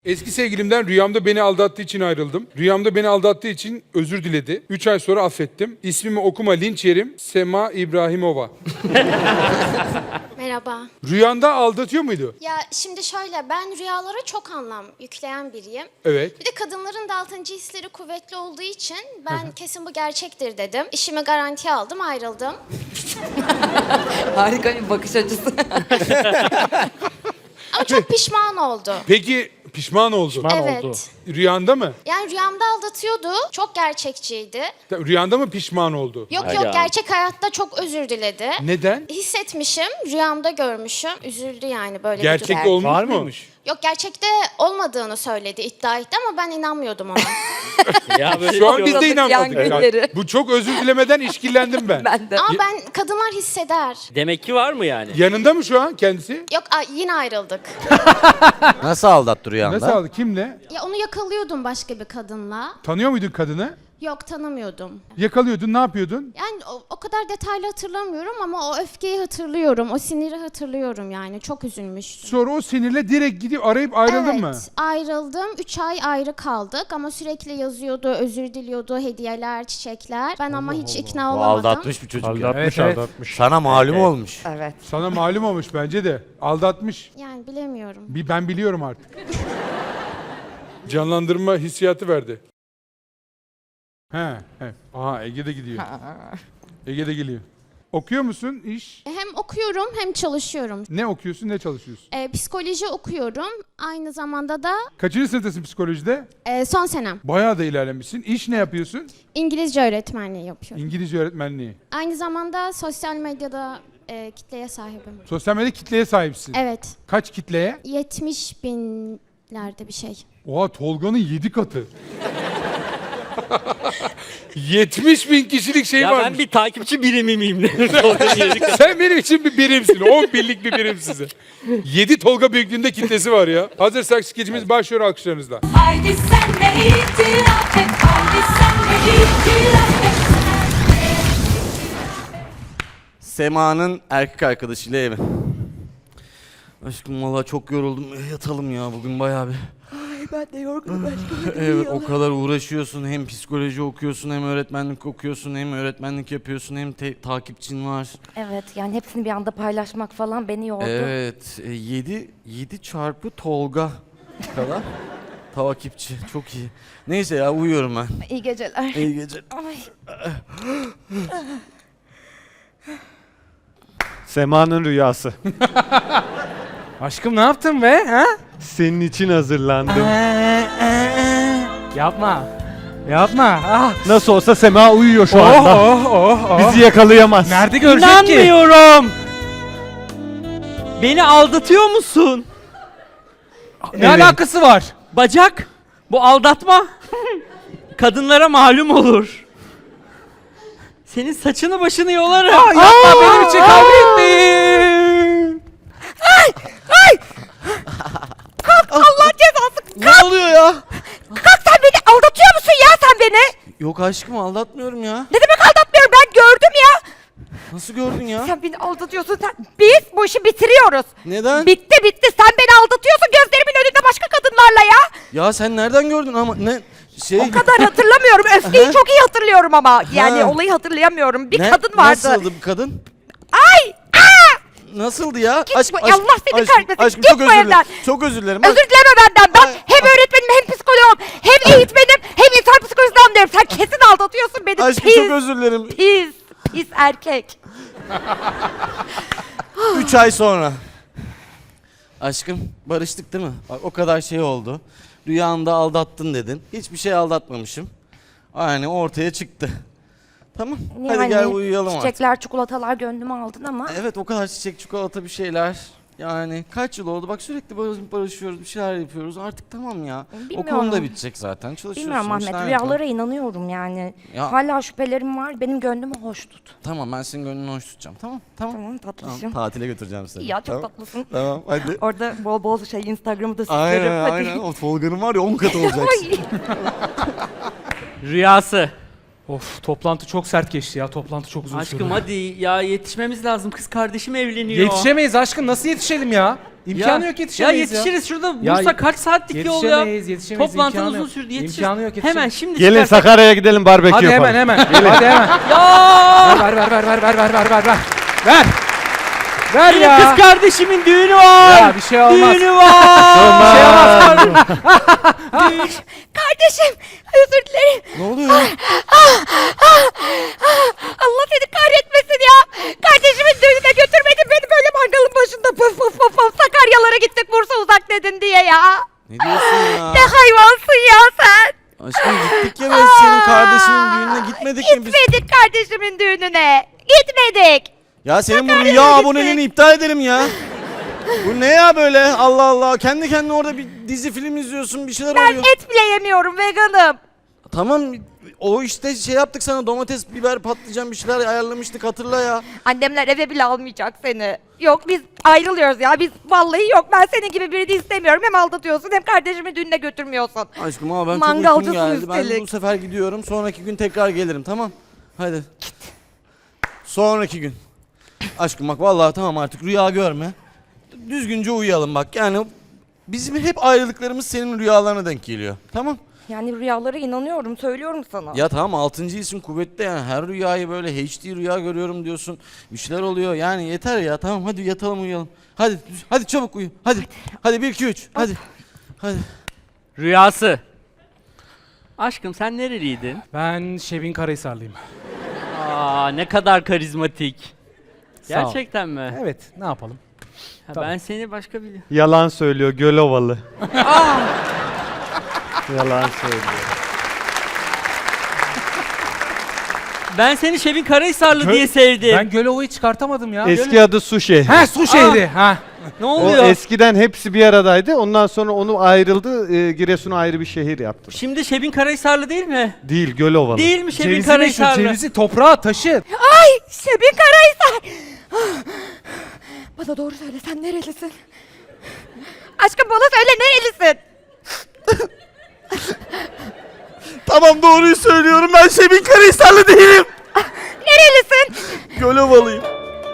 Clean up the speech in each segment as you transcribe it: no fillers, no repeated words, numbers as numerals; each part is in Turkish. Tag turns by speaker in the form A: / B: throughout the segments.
A: Eski sevgilimden rüyamda beni aldattığı için ayrıldım. Rüyamda beni aldattığı için özür diledi. 3 ay sonra affettim. İsmimi okuma, linç yerim. Sema İbrahimova.
B: Merhaba.
A: Rüyanda aldatıyor muydu?
B: Ya şimdi şöyle, ben rüyalara çok anlam yükleyen biriyim.
A: Evet.
B: Bir de kadınların da 6. hisleri kuvvetli olduğu için ben kesin bu gerçektir dedim. İşimi garantiye aldım, ayrıldım.
C: Harika bir bakış açısı.
B: Ama çok pişman oldu.
A: Peki pişman oldu.
B: Evet.
D: oldu.
A: Rüyanda mı?
B: Yani rüyamda aldatıyordu. Çok gerçekçiydi.
A: Rüyanda mı pişman oldu?
B: Yok
D: Hayda.
B: yok, gerçek hayatta çok özür diledi.
A: Neden?
B: Hissetmişim, rüyamda görmüşüm. Üzüldü yani böyle bir
A: Gerçekte
B: durum.
A: olmuş
D: Var
A: mu?
D: mıymış?
B: Yok, gerçekte olmadığını söyledi, iddia etti ama ben inanmıyordum ona.
D: Ya böyle
A: Şu an
D: bir
A: biz de
C: Yoldadık
A: inanmadık.
C: yangınları.
A: Yani bu çok özür dilemeden işkillendim ben.
C: Ben de.
B: Ama ben, kadınlar hisseder.
D: Demek ki var mı yani?
A: Yanında mı şu an kendisi?
B: Yok, yine ayrıldık.
E: Nasıl aldattı rüyanda?
A: Nasıl aldı? Kimle?
B: Ya onu yakalıyordum başka bir kadınla.
A: Tanıyor muydun kadını?
B: Yok, tanımıyordum.
A: Yakalıyordun, ne yapıyordun?
B: Yani o kadar detaylı hatırlamıyorum ama o öfkeyi hatırlıyorum. O siniri hatırlıyorum yani. Çok üzülmüştüm.
A: Sonra o sinirle direkt gidip arayıp ayrıldın mı?
B: Evet, ayrıldım. 3 ay ayrı kaldık ama sürekli yazıyordu, özür diliyordu, hediyeler, çiçekler. Ben ama hiç ikna
E: O
B: olamadım.
E: aldatmış bir çocuk ya.
D: Aldatmış,
A: Evet, evet.
D: aldatmış.
E: Sana malum olmuş.
C: Evet.
A: Sana malum olmuş bence de. Aldatmış.
B: Yani bilemiyorum.
A: Ben biliyorum artık. Canlandırma hissiyatı verdi. He. Aha, Ege de gidiyor. Ege de geliyor. Okuyor musun iş?
B: Hem okuyorum hem çalışıyorum.
A: Ne okuyorsun, ne çalışıyorsun?
B: Psikoloji okuyorum. Aynı zamanda da
A: Kaçıncı sınıftasın psikolojide?
B: son senem.
A: Bayağı da ilerlemişsin. İş ne yapıyorsun?
B: İngilizce öğretmenliği yapıyorum.
A: İngilizce öğretmenliği.
B: Aynı zamanda sosyal medyada kitleye sahibim.
A: Sosyal medya kitleye sahipsin.
B: Evet.
A: Kaç kitleye?
B: 70 binlerde bir şey.
A: Oha, Tolga'nın 7 katı. 70 bin kişilik şey
D: Ya
A: varmış.
D: ben bir takipçi birimi miyim?
A: Sen benim için bir birimsin. 10 binlik bir birim size. 7 Tolga büyüklüğünde kitlesi var ya. Hazırsak skecimiz başlıyor, alkışlarınızla.
F: Haydi sen de itiraf et, haydi sen de itiraf et.
E: Sema'nın erkek arkadaşıyla evi. Aşkım valla çok yoruldum. Yatalım ya bugün bayağı bir.
C: Ay ben de yorgunum aşkım.
E: Evet, o kadar uğraşıyorsun. Hem psikoloji okuyorsun, hem öğretmenlik okuyorsun, hem öğretmenlik yapıyorsun, hem takipçin var.
G: Evet, yani hepsini bir anda paylaşmak falan beni yordu.
E: Evet. 7 çarpı Tolga kadar takipçi. Çok iyi. Neyse ya, uyuyorum ben.
G: İyi geceler.
E: İyi geceler.
G: Ay.
H: Sema'nın rüyası.
I: Aşkım ne yaptın be? Ha?
H: Senin için hazırlandım.
I: Yapma. Yapma. Ah.
H: Nasıl olsa Sema uyuyor şu
I: Oh,
H: anda.
I: oh.
H: Bizi yakalayamaz.
I: Nerede görecek ki?
D: İnanmıyorum. Beni aldatıyor musun?
I: Ne alakası var?
D: Bacak. Bu aldatma. Kadınlara malum olur. Senin saçını başını yolarım.
I: Yapma, benim için kavga etmeyin.
C: Allah cezası.
E: Ne oluyor ya?
C: Kalk, sen beni aldatıyor musun ya sen beni?
E: Yok aşkım, aldatmıyorum ya.
C: Ne demek aldatmıyorum, ben gördüm ya.
E: Nasıl gördün ya?
C: Sen beni aldatıyorsun sen. Biz bu işi bitiriyoruz.
E: Neden?
C: Bitti, sen beni aldatıyorsun gözlerimin önünde başka kadınlarla ya.
E: Ya sen nereden gördün ama ne şey...
C: O kadar hatırlamıyorum. Öfkeyi çok iyi hatırlıyorum ama. Yani olayı hatırlayamıyorum. Bir kadın vardı.
E: Nasıldı bu kadın?
C: Ay!
E: Nasıldı ya?
C: Git bu- Allah seni kahretmesin.
E: Aşkım
C: Git
E: çok
C: bu
E: özür dilerim.
C: evden.
E: Çok özür dilerim.
C: Özür dileme benden. Ben
E: Ay.
C: hem öğretmenim hem psikoloğum hem eğitmenim hem insan psikolojisinden anlıyorum. Sen kesin aldatıyorsun beni.
E: Aşkım
C: Pis,
E: çok özür dilerim.
C: pis erkek.
E: 3 ay sonra. Aşkım barıştık değil mi? Bak, o kadar şey oldu. Rüyanda aldattın dedin. Hiçbir şey aldatmamışım. Yani ortaya çıktı. Tamam. Hadi
G: Yani
E: gel uyuyalım artık.
G: Çiçekler, çikolatalar gönlümü aldın ama
E: Evet, o kadar çiçek, çikolata bir şeyler. Yani kaç yıl oldu? Bak sürekli barışıyoruz, bir şeyler yapıyoruz. Artık tamam ya.
G: Bilmiyorum.
E: Okulun da bitecek zaten. Çalışıyorsun.
G: bilmiyorum Ahmet,
E: işler
G: rüyalara
E: yapıyorsun.
G: inanıyorum yani.
E: Ya.
G: Hala şüphelerim var, benim gönlümü hoş tut.
E: Tamam, ben senin gönlünü hoş tutacağım. Tamam.
G: Tamam tatlısın.
E: Tatile götüreceğim seni.
G: Ya çok
E: tamam.
G: tatlısın.
E: Tamam, hadi.
G: Orada bol bol Instagram'ı da süslerim.
E: Aynen,
G: hadi.
E: aynen. O Tolga'nın var ya 10 katı olacaksın.
G: Ay.
D: Rüyası.
I: Of, toplantı çok sert geçti ya. Toplantı çok uzun sürdü.
D: Aşkım hadi ya, yetişmemiz lazım. Kız kardeşim evleniyor.
I: Yetişemeyiz aşkım. Nasıl yetişelim ya? İmkanı yok, yetişemeyiz
D: ya. Yetişiriz şurada.
I: Ya,
D: Bursa kaç saatlik yol ya?
I: Yetişemeyiz.
D: Toplantı
I: imkanı
D: uzun
I: yok.
D: sürdü. Yetişiriz.
I: İmkanı yok,
D: Hemen şimdi
H: Gelin
D: çıkarsak-
H: Sakarya'ya gidelim barbekü
I: Hadi
H: yapalım.
I: hemen. Hadi hemen.
D: Ya!
I: Ver. Ver
D: Benim
I: ya.
D: kız kardeşimin düğünü var.
I: Ya bir şey olmaz.
D: Düğünü var.
I: Bir şey olmaz.
C: Kardeşim özür dilerim.
E: Ne oluyor?
C: Allah seni kahretmesin ya. Kardeşimin düğününe götürmedin beni böyle mangalın başında puf puf puf puf Sakaryalara gittik Bursa uzak dedin diye ya.
E: Ne diyorsun ya?
C: Ne hayvansın ya sen.
E: Aşkım gittik ya biz senin kardeşinin düğününe gitmedik mi biz?
C: Gitmedik kardeşimin düğününe. Gitmedik.
E: Ya senin bu
C: Sakarya'ya
E: rüya
C: gittik.
E: aboneliğini iptal edelim ya. Bu ne ya böyle? Allah Allah. Kendi kendine orada bir dizi film izliyorsun, bir şeyler
C: Ben
E: oluyor.
C: et bile yemiyorum veganım.
E: Tamam o işte şey yaptık sana domates, biber, patlıcan bir şeyler ayarlamıştık hatırla ya.
C: Annemler eve bile almayacak seni. Yok biz ayrılıyoruz ya. Biz vallahi yok. Ben senin gibi birini istemiyorum. Hem aldatıyorsun hem kardeşimi düğününe götürmüyorsun.
E: Aşkım ama ben çok
C: Mangalcısın
E: uykum geldi. Ben
C: üstelik.
E: bu sefer gidiyorum. Sonraki gün tekrar gelirim tamam. Hadi. Git. Sonraki gün. Aşkım bak vallahi tamam artık rüya görme. Düzgünce uyuyalım bak. Yani bizim hep ayrılıklarımız senin rüyalarına denk geliyor. Tamam.
G: Yani rüyalara inanıyorum, söylüyorum sana.
E: Ya tamam 6. isim kuvvetli yani her rüyayı böyle HD rüya görüyorum diyorsun. Bir şeyler oluyor yani yeter ya tamam hadi yatalım uyuyalım. Hadi çabuk uyu hadi. Hadi 1 2 3 hadi. Hadi.
D: Rüyası. Aşkım sen nereliydin?
I: Ben Şebin Karahisarlıyım.
D: Aa ne kadar karizmatik.
I: Sağ ol.
D: Gerçekten mi?
I: Evet, ne yapalım?
D: Ha,
I: Tamam.
D: ben seni başka biliyorum.
H: Yalan söylüyor Gölovalı. Yalan söylüyor.
D: Ben seni Şebin Karahisarlı diye sevdim.
I: Ben Gölova'yı çıkartamadım ya.
H: Eski adı Su şehri.
I: Ha, su şehri. Ha.
D: Ne
H: O
D: oluyor?
H: eskiden hepsi bir aradaydı. Ondan sonra onu ayrıldı. Giresun'a ayrı bir şehir yaptı.
D: Şimdi Şebin Karahisarlı değil mi?
H: Değil Gölovalı.
D: Değil mi Şebin
I: Cevizi meşhur,
D: Karahisarlı?
I: cevizi, toprağı, taşı.
C: Ay Şebin Karahisar. Bana doğru söyle sen nerelisin? Aşkım bana söyle nerelisin?
E: Tamam doğruyu söylüyorum ben Şebin Karahisarlı değilim.
C: Nerelisin?
E: Gölovalıyım.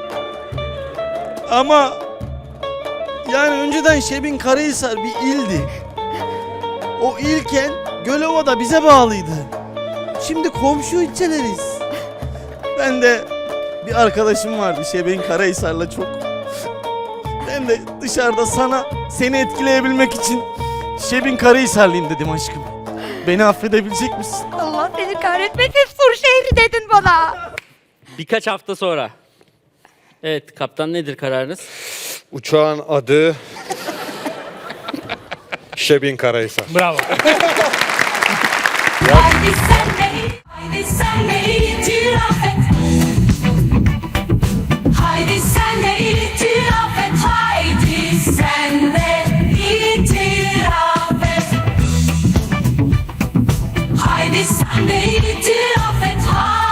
E: Ama yani önceden Şebin Karahisar bir ildi. O ilken Gölova da bize bağlıydı. Şimdi komşu ilçeleriz. Ben de bir arkadaşım vardı Şebin Karahisar'la çok. Ben de dışarıda seni etkileyebilmek için Şebin Karahisarlıyım dedim aşkım. Beni affedebilecek misin?
C: Allah seni kahretmesin Sur şehri dedin bana.
D: Birkaç hafta sonra. Evet kaptan nedir kararınız?
J: Uçağın adı Şebin Karahisar.
I: Bravo.
F: Haydi sen de itiraf et. Haydi sen de itiraf et. Haydi sen de itiraf et. Haydi sen de itiraf et.